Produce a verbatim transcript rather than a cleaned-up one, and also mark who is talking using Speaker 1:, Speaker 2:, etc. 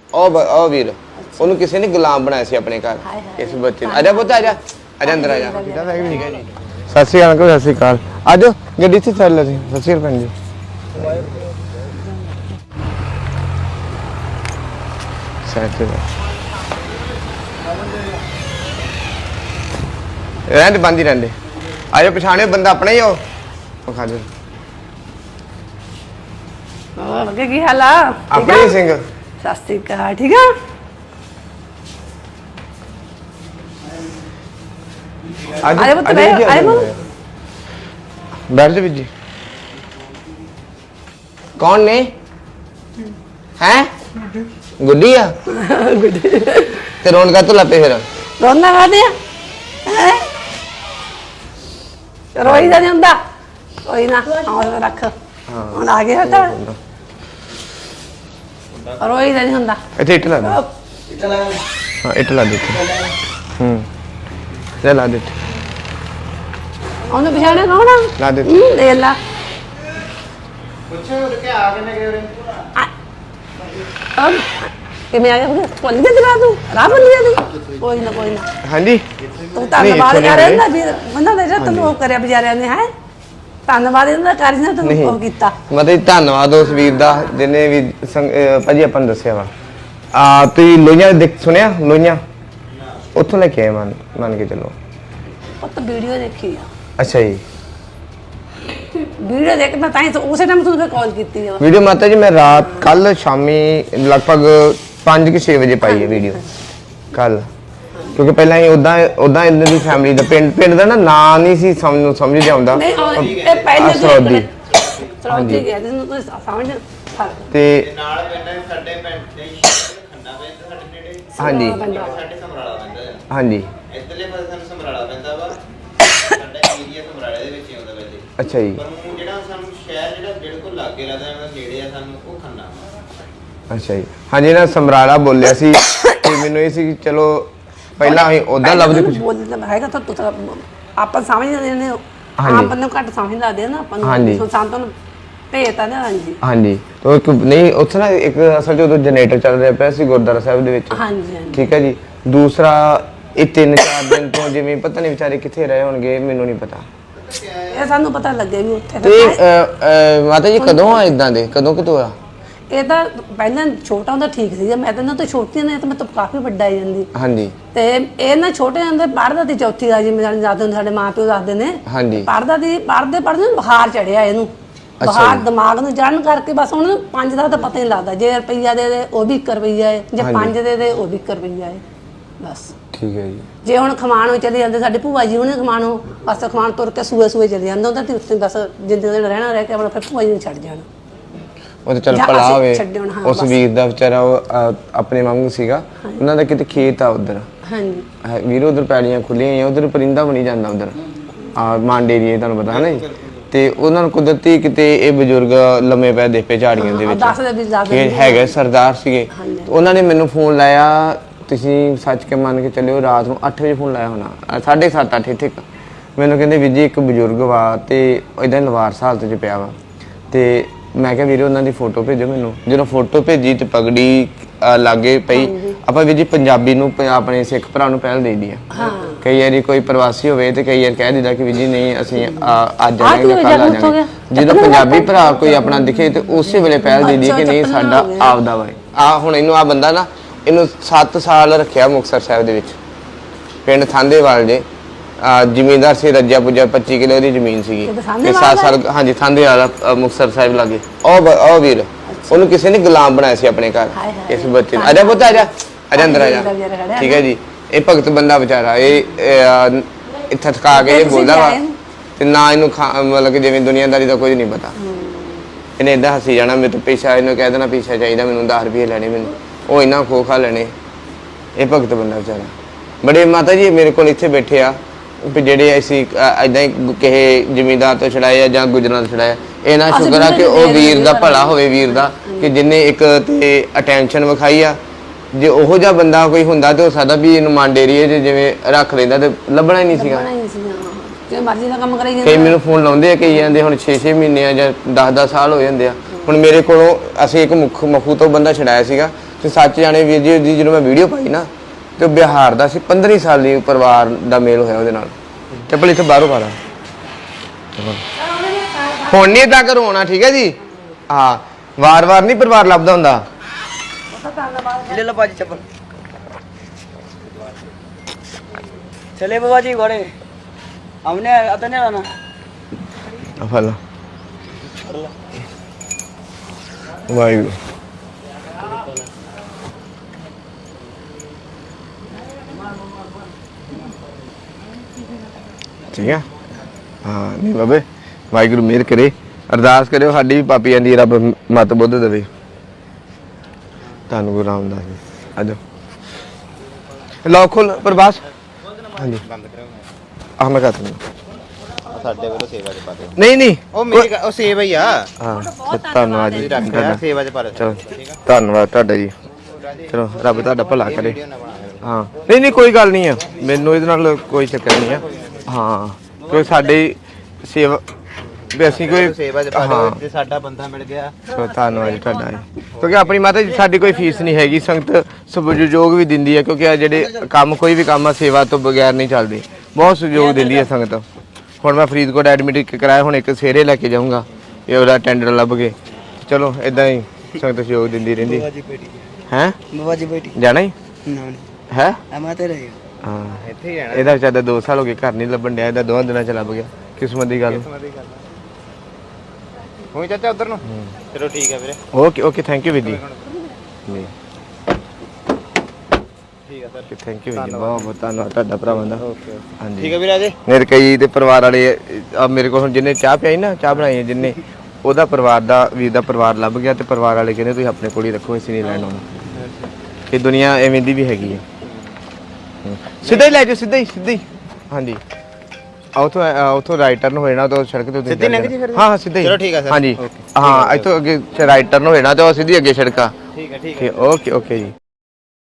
Speaker 1: ਉਹ ਉਹ ਵੀਰ ਉਹਨੂੰ ਕਿਸੇ ਨੇ ਗੁਲਾਮ ਬਣਾਇਆ ਸੀ ਆਪਣੇ ਘਰ ਇਸ ਬੱਚੇ ਨੂੰ। ਆਜਾ ਪੁੱਤ ਆਜਾ ਆਜਾ ਅੰਦਰ ਆਜਾ। ਠੀਕ ਹੈ ਜੀ। ਸਤਿ ਸ਼੍ਰੀ ਅਕਾਲ ਅੰਕਲ, ਸਤਿ ਸ਼੍ਰੀ ਅਕਾਲ। ਆਜੋ ਗੱਡੀ 'ਚ ਚੱਲ ਅਸੀਂ। ਸਤਿ ਸ਼੍ਰੀ ਅਕਾਲ ਭੈਣ ਜੀ। ਸਤਿ ਰਹਿੰਦੇ ਬੰਦ ਹੀ ਰਹਿੰਦੇ। ਆਜੋ ਪਛਾਣਿਓ ਬੰਦਾ ਆਪਣਾ ਹੀ ਉਹ ਖਾ ਜੋ।
Speaker 2: ਹੋਰ ਕੀ ਹਾਲ ਆ?
Speaker 1: ਆਪਣੇ ਸਿੰਘ।
Speaker 2: ਸਤਿ ਸ਼੍ਰੀ ਅਕਾਲ। ਠੀਕ ਆ?
Speaker 1: ਅੱਜ
Speaker 2: ਆਏ ਪੁੱਤ ਬੈ ਆਏ ਮੋ
Speaker 1: ਬੈਠ ਜਾ ਜੀ। ਕੌਣ ਨੇ ਹੈ? ਗੁੱਡੀ ਆ
Speaker 2: ਗੁੱਡੀ
Speaker 1: ਤੇ ਰੋਣ ਕਾ ਤੋ ਲੱਪੇ ਫਿਰ
Speaker 2: ਰੋਣਾ ਕਾਦੇ ਆ ਹੈ? ਰੋਈ ਦਾ ਨਹੀਂ ਹੁੰਦਾ ਕੋਈ ਨਾ ਆਉਂ ਰੱਖ ਹੁਣ ਆ ਗਿਆ ਤਾਂ ਰੋਈ ਦਾ ਨਹੀਂ ਹੁੰਦਾ।
Speaker 1: ਇੱਥੇ ਇੱਟ ਲਾ ਦੇ। ਹਾਂ ਇੱਟ ਲਾ ਦੇ। ਹੂੰ ਲੈ ਲਾ ਦੇ।
Speaker 2: ਉਹਨੂੰ ਪਛਾਣਿਆ ਕੌਣ ਆ?
Speaker 1: ਲਾ ਦੇ।
Speaker 2: ਦੇਖ ਲਾ
Speaker 3: ਪੁੱਛੋ ਕਿ ਆ ਕਿੰਨੇ ਗਏ ਉਰੇ?
Speaker 2: ਕਿਵੇਂ ਆ ਗਿਆ? ਭੁੱਲ ਗਿਆ ਜਰਾ ਤੂੰ ਰਾਹ ਭੁੱਲ ਗਿਆ ਤੂੰ? ਕੋਈ ਨਾ ਕੋਈ ਨਾ।
Speaker 1: ਹਾਂਜੀ
Speaker 2: ਤੂੰ ਧੰਨਵਾਦ ਕਰ ਰਿਹਾ ਨਾ ਵੀ ਬੰਦਾ ਨੇ ਜਿਹੜਾ ਤੈਨੂੰ ਉਹ ਕਰਿਆ ਵਿਚਾਰਿਆਂ ਨੇ ਹੈ। ਧੰਨਵਾਦ ਇਹਨਾਂ ਦਾ ਕਰ ਜਿਹਨੇ ਤੈਨੂੰ ਉਹ ਕੀਤਾ।
Speaker 1: ਮਤਲਬ ਧੰਨਵਾਦ ਉਸ ਵੀਰ ਦਾ ਜਿਹਨੇ ਵੀ ਭਾਜੀ ਆਪਾਂ ਨੂੰ ਦੱਸਿਆ ਵਾ। ਆ ਤੁਸੀਂ ਲੋਹੀਆਂ ਦੇਖ ਸੁਣਿਆ? ਲੋਹੀਆਂ ਉੱਥੋਂ ਲੈ ਕੇ ਆਏ ਮੰਨ ਮੰਨ ਕੇ ਚੱਲੋ।
Speaker 2: ਉਹ ਤਾਂ ਵੀਡੀਓ ਦੇਖੀ ਆ।
Speaker 1: ਅੱਛਾ ਜੀ।
Speaker 2: ਵੀਡੀਓ ਦੇਖ ਮੈਂ ਤਾਂ ਹੀ ਉਸੇ ਟਾਈਮ ਤੁਹਾਨੂੰ ਕਾਲ ਕੀਤੀ ਆ।
Speaker 1: ਵੀਡੀਓ ਮਾਤਾ ਜੀ ਮੈਂ ਰਾਤ ਕੱਲ ਸ਼ਾਮੀ ਲਗਭਗ ਪੰਜ ਕਿ ਛੇ ਵਜੇ ਪਾਈ ਹੈ ਵੀਡੀਓ ਕੱਲ। ਕਿਉਂਕਿ ਪਹਿਲਾਂ ਹੀ ਉਦਾਂ ਉਦਾਂ ਇਹਨਾਂ ਦੀ ਫੈਮਿਲੀ ਦਾ ਪਿੰਡ ਪਿੰਡ ਦਾ ਨਾ ਨਾਂ ਨਹੀਂ ਸੀ ਸਮਝ ਨੂੰ ਸਮਝ ਆਉਂਦਾ।
Speaker 2: ਨਹੀਂ ਇਹ ਪਹਿਲੇ
Speaker 1: ਸਰੋਦੀ
Speaker 2: ਸਰੋਦੀ ਗਿਆ ਤੈਨੂੰ ਕੋਈ ਸਮਝ
Speaker 1: ਤੇ
Speaker 3: ਨਾਲ ਪਿੰਡ ਸਾਡੇ ਪਿੰਡ ਦੇ ਖੰਨਾ ਪਿੰਡ ਸਾਡੇ ਨੇੜੇ।
Speaker 1: ਹਾਂਜੀ
Speaker 3: ਸਾਡੇ ਸਮਰਾਲਾ ਪੈਂਦਾ ਹੈ।
Speaker 1: ਹਾਂਜੀ
Speaker 3: ਇੱਧਰਲੇ ਪਾਸੇ ਸਾਨੂੰ ਸਮਰਾਲਾ ਪੈਂਦਾ ਵਾ। ਸਾਡਾ ਏਰੀਆ ਸਮਰਾਲੇ ਦੇ ਵਿੱਚ ਹੀ ਆਉਂਦਾ ਵੈਸੇ।
Speaker 1: ਅੱਛਾ ਜੀ।
Speaker 3: ਪਰ ਉਹ ਜਿਹੜਾ ਸਾਨੂੰ ਸ਼ਹਿਰ ਜਿਹੜਾ ਬਿਲਕੁਲ ਲਾਗੇ ਲੱਗਦਾ ਹੈ ਨੇੜੇ ਆ ਸਾਨੂੰ ਉਹ ਖੰਨਾ।
Speaker 1: ਅੱਛਾ ਜੀ। ਹਾਂਜੀ ਨਾ ਸਮਰਾਲਾ ਬੋਲਿਆ ਸੀ ਤੇ ਮੈਨੂੰ ਇਹ ਸੀ ਕਿ ਚਲੋ ਪਹਿਲਾਂ ਅਸੀਂ ਉਦਾਂ ਲੱਭਦੇ ਕੁਝ
Speaker 2: ਬੋਲਦਾ ਹੈਗਾ ਤਾਂ ਤੂੰ ਤਾਂ ਆਪਾਂ ਸਮਝ ਜਾਂਦੇ ਨੇ।
Speaker 1: ਹਾਂਜੀ।
Speaker 2: ਆਪਾਂ ਨੂੰ ਘੱਟ ਸਮਝ ਲੱਗਦੇ ਨਾ ਆਪਾਂ
Speaker 1: ਹਾਂਜੀ।
Speaker 2: ਨੂੰ ਸੰਤਾਂ ਨੂੰ ਭੇਜਤਾ ਨਾ। ਹਾਂਜੀ
Speaker 1: ਹਾਂਜੀ ਤਾਂ ਇੱਕ ਨਹੀਂ ਉੱਥੇ ਨਾ ਇੱਕ ਅਸਲ 'ਚ ਉਦੋਂ ਜਨਰੇਟਰ ਚੱਲ ਰਿਹਾ ਪਿਆ ਸੀ ਗੁਰਦੁਆਰਾ ਸਾਹਿਬ ਦੇ ਵਿੱਚ।
Speaker 2: ਹਾਂਜੀ ਹਾਂਜੀ
Speaker 1: ਠੀਕ ਹੈ ਜੀ। ਦੂਸਰਾ ਇਹ ਤਿੰਨ ਚਾਰ ਦਿਨ ਤੋਂ ਜਿਵੇਂ ਪਤਾ ਨਹੀਂ ਵਿਚਾਰੇ ਕਿੱਥੇ ਰਹੇ ਹੋਣਗੇ ਮੈਨੂੰ ਨਹੀਂ ਪਤਾ।
Speaker 2: ਇਹ ਸਾਨੂੰ ਪਤਾ ਲੱਗਿਆ ਵੀ ਉੱਥੇ
Speaker 1: ਤੇ ਮਾਤਾ ਜੀ ਕਦੋਂ ਆ ਇਦਾਂ ਦੇ ਕਦੋਂ ਕਿਤੋਂ ਆ?
Speaker 2: ਇਹ ਤਾਂ ਪਹਿਲਾਂ ਛੋਟਾ ਹੁੰਦਾ ਠੀਕ ਸੀਗਾ। ਮੈਂ ਤਾਂ ਇਹਨਾਂ ਤੋਂ ਛੋਟੀ ਨੇ ਤਾਂ ਮੈਂ ਤਾਂ ਕਾਫੀ ਵੱਡਾ ਹੀ ਜਾਂਦੀ।
Speaker 1: ਹਾਂਜੀ
Speaker 2: ਤੇ ਇਹ ਨਾ ਛੋਟੇ ਹੁੰਦੇ ਪੜ੍ਹਦਾ ਸੀ ਚੌਥੀ ਆ ਜੀ ਮੇਰੇ ਦਾਦੇ ਸਾਡੇ ਮਾਂ ਪਿਓ ਦੱਸਦੇ ਨੇ।
Speaker 1: ਹਾਂਜੀ
Speaker 2: ਪੜ੍ਹਦਾ ਸੀ ਪੜ੍ਹਦੇ ਪੜ੍ਹਦੇ ਬੁਖਾਰ ਚੜਿਆ ਇਹਨੂੰ। ਬੁਖਾਰ ਦਿਮਾਗ ਨੂੰ ਚੜ੍ਹਨ ਕਰਕੇ ਬਸ ਉਹਨੂੰ ਪੰਜ ਦਾ ਤਾਂ ਪਤਾ ਹੀ ਨਹੀਂ ਲੱਗਦਾ। ਜੇ ਰੁਪਈਆ ਦੇ ਦੇ ਉਹ ਵੀ ਇੱਕ ਰੁਪਈਆ ਹੈ, ਜੇ ਪੰਜ ਦੇ ਦੇ ਉਹ ਵੀ ਇੱਕ ਰੁਪਈਆ ਹੈ ਬਸ।
Speaker 1: ਠੀਕ ਹੈ ਜੀ।
Speaker 2: ਜੇ ਹੁਣ ਖਮਾਣੋਂ ਚਲੇ ਜਾਂਦੇ ਸਾਡੇ ਭੂਆ ਜੀ ਉਹਨੇ ਖਮਾਣੋਂ ਬਸ ਖਮਾਣ ਤੁਰ ਕੇ ਸੂਏ ਸੂਏ ਚਲੇ ਜਾਂਦਾ ਹੁੰਦਾ ਤੇ ਉੱਥੇ ਬਸ ਜਿੰਦੇ ਦਿਨ ਰਹਿਣਾ ਰਹਿ ਕੇ ਆਪਣਾ ਫਿਰ ਭੂਆ ਜੀ ਨੂੰ ਛੱਡ ਜਾਣਾ।
Speaker 1: ਉਹ ਤਾਂ ਚੱਲ ਭਲਾ ਹੋਵੇ ਉਸ ਵੀਰ ਦਾ ਵਿਚਾਰਾ ਉਹ ਆਪਣੇ ਵਾਂਗੂ ਸੀਗਾ। ਉਹਨਾਂ ਦਾ ਕਿਤੇ ਖੇਤ ਆ ਉਧਰ।
Speaker 2: ਹਾਂਜੀ
Speaker 1: ਵੀਰ ਉਧਰ ਪੈੜੀਆਂ ਖੁੱਲੀਆਂ ਹੋਈਆਂ ਉਧਰ ਪਰਿੰਦਾ ਬਣੀ ਜਾਂਦਾ ਉਧਰ ਆ ਮਾਂਡੇ ਏਰੀਏ ਤੁਹਾਨੂੰ ਪਤਾ ਹੈ ਨਾ ਜੀ। ਤੇ ਉਹਨਾਂ ਨੂੰ ਕੁਦਰਤੀ ਕਿਤੇ ਇਹ ਬਜ਼ੁਰਗ ਲੰਮੇ ਪੈ ਦੇ ਪੇ ਝਾੜੀਆਂ ਦੇ ਵਿੱਚ ਹੈਗੇ ਸਰਦਾਰ ਸੀਗੇ। ਉਹਨਾਂ ਨੇ ਮੈਨੂੰ ਫੋਨ ਲਾਇਆ। ਤੁਸੀਂ ਸੱਚ ਕੇ ਮੰਨ ਕੇ ਚੱਲਿਓ ਰਾਤ ਨੂੰ ਅੱਠ ਵਜੇ ਫੋਨ ਲਾਇਆ ਹੋਣਾ ਸਾਢੇ ਸੱਤ ਅੱਠ ਇੱਥੇ ਮੈਨੂੰ ਕਹਿੰਦੇ ਵੀਰ ਜੀ ਇੱਕ ਬਜ਼ੁਰਗ ਵਾ ਤੇ ਇਦਾਂ ਲਵਾਰਸ ਹਾਲਤ 'ਚ ਪਿਆ ਵਾ। ਤੇ ਮੈਂ ਕਿਹਾ ਵੀਰੇ ਉਹਨਾਂ ਦੀ ਫੋਟੋ ਭੇਜੋ ਮੈਨੂੰ। ਜਦੋਂ ਫੋਟੋ ਭੇਜੀ ਤੇ ਪਗੜੀ ਲਾਗੇ ਪਈ। ਆਪਾਂ ਵੀਰ ਜੀ ਪੰਜਾਬੀ ਨੂੰ ਆਪਣੇ ਸਿੱਖ ਭਰਾ ਨੂੰ ਪਹਿਲ ਦੇ ਦੀ ਆ। ਕਈ ਵਾਰੀ ਕੋਈ ਪ੍ਰਵਾਸੀ ਹੋਵੇ ਤੇ ਕਈ ਵਾਰ ਕਹਿ ਦਿੰਦਾ ਕਿ ਵੀਰ ਜੀ ਨਹੀਂ ਅਸੀਂ ਅੱਜ ਆਵਾਂਗੇ ਕੱਲ ਆ ਜਾਵਾਂਗੇ। ਜਦੋਂ ਪੰਜਾਬੀ ਭਰਾ ਕੋਈ ਆਪਣਾ ਦਿਖੇ ਤੇ ਉਸੇ ਵੇਲੇ ਪਹਿਲ ਦੇ ਦੀ ਕਿ ਨਹੀਂ ਸਾਡਾ ਆਪਦਾ ਵਾ। ਆ ਹੁਣ ਇਹਨੂੰ ਆ ਬੰਦਾ ਨਾ ਇਹਨੂੰ ਸੱਤ ਸਾਲ ਰੱਖਿਆ ਮੁਕਤਸਰ ਸਾਹਿਬ ਦੇ ਵਿੱਚ ਪਿੰਡ ਥਾਂਦੇਵਾਲ ਦੇ ਜ਼ਿਮੀਂਦਾਰ ਸੀ। ਰੱਜਾ ਪੁੱਜਾ ਪੱਚੀ ਕਿਲੋ ਦੀ ਜ਼ਮੀਨ ਸੀਗੀ ਤੇ ਸੱਤ ਸਾਲ ਹਾਂਜੀ ਥਾਂਦੇਵਾਲ ਮੁਕਤਸਰ ਸਾਹਿਬ ਲਾਗੇ। ਉਹ ਉਹ ਵੀਰ ਉਹਨੂੰ ਕਿਸੇ ਨੇ ਗੁਲਾਮ ਬਣਾਇਆ ਸੀ ਆਪਣੇ ਘਰ ਇਸ ਬੱਚੇ ਨੂੰ। ਆਜਾ ਪੁੱਤ ਆਜਾ ਆਜਾ ਅੰਦਰ ਆਜਾ। ਠੀਕ ਹੈ ਜੀ। ਇਹ ਭਗਤ ਬੰਦਾ ਵਿਚਾਰਾ ਇਹ ਇੱਥੇ ਥਕਾ ਕੇ ਇਹ ਬੋਲਦਾ ਵਾ ਤੇ ਨਾ ਇਹਨੂੰ ਮਤਲਬ ਕਿ ਜਿਵੇਂ ਦੁਨੀਆਦਾਰੀ ਦਾ ਕੁਝ ਨਹੀਂ ਪਤਾ। ਇਹਨੇ ਏਦਾਂ ਹੱਸੀ ਜਾਣਾ ਮੇਰੇ ਤੋਂ ਪੈਸਾ ਇਹਨੂੰ ਕਹਿ ਦੇਣਾ ਪੈਸਾ ਚਾਹੀਦਾ ਮੈਨੂੰ ਦਸ ਰੁਪਏ ਲੈਣੇ ਮੈਨੂੰ ਉਹ ਇੰਨਾ ਖੋ ਖਾ ਲੈਣੇ। ਇਹ ਭਗਤ ਬੰਦਾ ਵਿਚਾਰਾ ਬੜੇ ਮਾਤਾ ਜੀ ਮੇਰੇ ਕੋਲ ਇੱਥੇ ਬੈਠੇ ਆ ਵੀ ਜਿਹੜੇ ਅਸੀਂ ਏਦਾਂ ਹੀ ਕਿਸੇ ਜ਼ਿਮੀਂਦਾਰ ਤੋਂ ਛੜਾਏ ਆ ਜਾਂ ਗੁਜਰਾਂ ਤੋਂ ਛੜਾਇਆ। ਇਹ ਨਾ ਸ਼ੁਕਰ ਆ ਕਿ ਉਹ ਵੀਰ ਦਾ ਭਲਾ ਹੋਵੇ ਵੀਰ ਦਾ ਕਿ ਜਿੰਨੇ ਇੱਕ ਤੇ ਅਟੈਂਸ਼ਨ ਵਿਖਾਈ ਆ। ਜੇ ਉਹੋ ਜਿਹਾ ਬੰਦਾ ਕੋਈ ਹੁੰਦਾ ਤੇ ਹੋ ਸਕਦਾ ਵੀ ਇਹਨੂੰ ਮਾਂਡੇ ਏਰੀਏ 'ਚ ਜਿਵੇਂ ਰੱਖ ਲੈਂਦਾ ਤੇ ਲੱਭਣਾ ਹੀ ਨਹੀਂ ਸੀਗਾ।
Speaker 2: ਜੇ ਮਰਜ਼ੀ ਦਾ ਕੰਮ ਕਰਾਈ
Speaker 1: ਕਈ ਮੈਨੂੰ ਫੋਨ ਲਾਉਂਦੇ ਆ ਕਈ ਜਾਂਦੇ ਹੁਣ ਛੇ ਛੇ ਮਹੀਨੇ ਆ ਜਾਂ ਦਸ ਦਸ ਸਾਲ ਹੋ ਜਾਂਦੇ ਆ। ਹੁਣ ਮੇਰੇ ਕੋਲੋਂ ਅਸੀਂ ਇੱਕ ਮੁੱਖ ਮਖੂ ਤੋਂ ਬੰਦਾ ਛਡਾਇਆ ਸੀਗਾ ਤੇ ਸੱਚ ਜਾਣੇ ਵੀਰ ਜੀ ਦੀ ਜਦੋਂ ਮੈਂ ਵੀਡੀਓ ਪਾਈ ਨਾ ਤੇ ਉਹ ਬਿਹਾਰ ਦਾ ਸੀ, ਪੰਦਰਾਂ ਸਾਲ ਦੀ ਪਰਿਵਾਰ ਦਾ ਮੇਲ ਹੋਇਆ ਉਹਦੇ ਨਾਲ। ਚੱਪਲ ਇੱਥੇ ਬਾਹਰੋਂ ਪਾ ਲਾ, ਹੁਣ ਨਹੀਂ ਏਦਾਂ ਕਰੋ ਹੋਣਾ, ਠੀਕ ਹੈ ਜੀ। ਹਾਂ ਵਾਰ-ਵਾਰ ਨਹੀਂ ਪਰਿਵਾਰ ਲੱਭਦਾ ਹੁੰਦਾ।
Speaker 4: ले लो बाजी चप्पल चले बाबा जी घोड़े हमने आता नहीं आना
Speaker 1: ਆ ਫੜ ਲਾ ਵਾਹਿਗੁਰੂ। ਠੀਕ ਆ ਹਾਂ ਨਹੀਂ ਬਾਬੇ ਵਾਹਿਗੁਰੂ ਮਿਹਰ ਕਰੇ, ਅਰਦਾਸ ਕਰਿਓ ਸਾਡੀ ਵੀ ਪਾਪੀ ਆਂਦੀ ਰੱਬ ਮਤ ਬੁੱਧ ਦੇਵੇ। ਤੁਹਾਨੂੰ ਗੁਰੂ ਰਾਮਦਾਸ ਜੀ ਆਜੋ ਲਓ ਖੋਲ ਪ੍ਰਭਾਸ। ਹਾਂਜੀ
Speaker 3: ਬੰਦ ਕਰਾਓ
Speaker 1: ਆਹ ਮੈਂ ਕਹਤਾ
Speaker 3: ਸਾਡੇ ਵੱਲੋਂ ਸੇਵਾ ਚ ਪਾ ਦਿਓ।
Speaker 1: ਨਹੀਂ ਨਹੀਂ
Speaker 3: ਉਹ ਮੇਰੀ ਗੱਲ- ਉਹ ਸੇਵਾ ਹੀ ਆ
Speaker 1: ਹਾਂ ਤੇ ਧੰਨਵਾਦ ਜੀ
Speaker 3: ਰੱਖ
Speaker 1: ਤੁਹਾਡਾ।
Speaker 3: ਸੇਵਾ ਚ ਪਾ ਦਿਓ।
Speaker 1: ਚਲੋ ਧੰਨਵਾਦ ਤੁਹਾਡਾ ਜੀ। ਚਲੋ ਰੱਬ ਤੁਹਾਡਾ ਭਲਾ ਕਰੇ।
Speaker 3: ਵੀਡੀਓ ਨਾ ਬਣਾ ਦਿਓ।
Speaker 1: ਹਾਂ ਨਹੀਂ ਨਹੀਂ ਕੋਈ ਗੱਲ ਨਹੀਂ ਆ, ਮੈਨੂੰ ਇਹਦੇ ਨਾਲ ਕੋਈ ਚੱਕਰ ਨਹੀਂ ਆ। ਹਾਂ ਕਿਉਂਕਿ ਸਾਡੀ ਸੇਵਾ ਵੀ ਅਸੀਂ ਕੋਈ
Speaker 3: ਸੇਵਾ ਚ ਪਾ ਦਿਓ ਜੇ ਸਾਡਾ ਬੰਦਾ ਮਿਲ ਗਿਆ।
Speaker 1: ਸੋ ਧੰਨਵਾਦ ਜੀ ਤੁਹਾਡਾ ਜੀ। ਕਿਉਂਕਿ ਆਪਣੀ ਮਾਤਾ ਜੀ ਸਾਡੀ ਕੋਈ ਫੀਸ ਨਹੀਂ ਹੈਗੀ, ਸੰਗਤ ਸਹਿਯੋਗ ਵੀ ਦਿੰਦੀ ਹੈ ਕਿਉਂਕਿ ਆ ਜਿਹੜੇ ਕੰਮ ਕੋਈ ਵੀ ਕੰਮ ਆ ਸੇਵਾ ਤੋਂ ਬਗੈਰ ਨਹੀਂ ਚੱਲਦੇ, ਬਹੁਤ ਸਹਿਯੋਗ ਦਿੰਦੀ ਹੈ ਸੰਗਤ। ਹੁਣ ਮੈਂ ਫਰੀਦਕੋਟ ਐਡਮਿਟ ਕਰਾਇਆ, ਹੁਣ ਇੱਕ ਸਵੇਰੇ ਲੈ ਕੇ ਜਾਊਂਗਾ ਇਹ ਉਹਦਾ ਟੈਂਡਰ ਲੱਭ ਕੇ। ਚਲੋ ਇਦਾਂ ਹੀ ਸੰਗਤ ਸਹਿਯੋਗ ਦਿੰਦੀ ਰਹਿੰਦੀ ਹੈ।
Speaker 4: बाबा जी बेटी
Speaker 1: ਜਾਣਾ ਹੀ
Speaker 4: ना
Speaker 1: ਹੈ।
Speaker 4: हम आते रहे
Speaker 1: ਹਾਂ
Speaker 3: ਇੱਥੇ ਹੀ ਰਹਿਣਾ।
Speaker 1: ਇਹਦਾ ਵਿਚਾਰਾ ਦੋ ਸਾਲ ਹੋ ਗਏ ਘਰ ਨਹੀਂ ਲੱਭਣ ਡਿਆ, ਇਹਦਾ ਦੋਵਾਂ ਦਿਨਾਂ ਚ ਲੱਭ ਗਿਆ। ਕਿਸਮਤ ਦੀ ਗੱਲ।
Speaker 3: ਹੋਈ ਚਾਚਾ ਉਧਰ ਨੂੰ। ਚਲੋ ਠੀਕ ਹੈ ਵੀਰੇ।
Speaker 1: ਓਕੇ ਓਕੇ ਥੈਂਕ ਯੂ ਵੀਰ ਜੀ। ਜੀ
Speaker 3: ਠੀਕ ਹੈ ਸਰ।
Speaker 1: ਥੈਂਕ ਯੂ ਵੀਰ ਜੀ, ਬਹੁਤ ਬਹੁਤ ਧੰਨਵਾਦ ਤੁਹਾਡਾ ਭਰਾਵਾਂ ਦਾ।
Speaker 3: ਓਕੇ
Speaker 1: ਹਾਂਜੀ
Speaker 3: ਠੀਕ ਹੈ ਵੀਰੇ ਅਜੇ।
Speaker 1: ਮੇਰੇ ਕਈ ਦੇ ਪਰਿਵਾਰ ਵਾਲੇ ਆ ਮੇਰੇ ਕੋਲ ਹੁਣ ਜਿੰਨੇ ਚਾਹ ਪਿਆਈ ਨਾ ਚਾਹ ਬਣਾਈ ਹੈ ਜਿੰਨੇ ਉਹਦਾ ਪਰਿਵਾਰ ਦਾ ਵੀਰ ਦਾ ਪਰਿਵਾਰ ਲੱਭ ਗਿਆ ਤੇ ਪਰਿਵਾਰ ਵਾਲੇ ਕਹਿੰਦੇ ਤੁਸੀਂ ਆਪਣੇ ਕੋਲ ਹੀ ਰੱਖੋ, ਅਸੀਂ ਨਹੀਂ ਲੈਣ ਆਉਣਾ। ਇਹ ਦੁਨੀਆ ਐਵੇਂ ਦੀ ਵੀ ਹੈਗੀ ਹੈ। ਹਮ। ਸਿੱਧਾ ਹੀ ਲੈ ਜਾਓ, ਸਿੱਧਾ ਹੀ ਸਿੱਧਾ ਹੀ। ਹਾਂਜੀ ਉਥੋਂ ਉਥੋਂ ਰਾਈਟ ਟਰਨ ਹੋ ਜਾਣਾ ਤਾਂ ਸੜਕ ਤੇ ਤੁਸੀਂ
Speaker 3: ਸਿੱਧੀ
Speaker 1: ਚੱਲ
Speaker 3: ਲੰਘ
Speaker 1: ਜਾਣਾ।
Speaker 3: ਜੀ ਫਿਰ?
Speaker 1: ਹਾਂ ਹਾਂ ਸਿੱਧਾ ਹੀ।
Speaker 3: ਚਲੋ ਠੀਕ ਹੈ ਸਰ।
Speaker 1: ਹਾਂਜੀ
Speaker 3: ਓਕੇ।
Speaker 1: ਹਾਂ ਇੱਥੋਂ ਅੱਗੇ ਰਾਈਟ ਟਰਨ ਹੋ ਜਾਣਾ ਤੇ ਉਹ ਸਿੱਧੀ ਅੱਗੇ ਸੜਕਾ।
Speaker 3: ਠੀਕ ਹੈ ਠੀਕ ਹੈ।
Speaker 1: ਓਕੇ ਓਕੇ ਜੀ।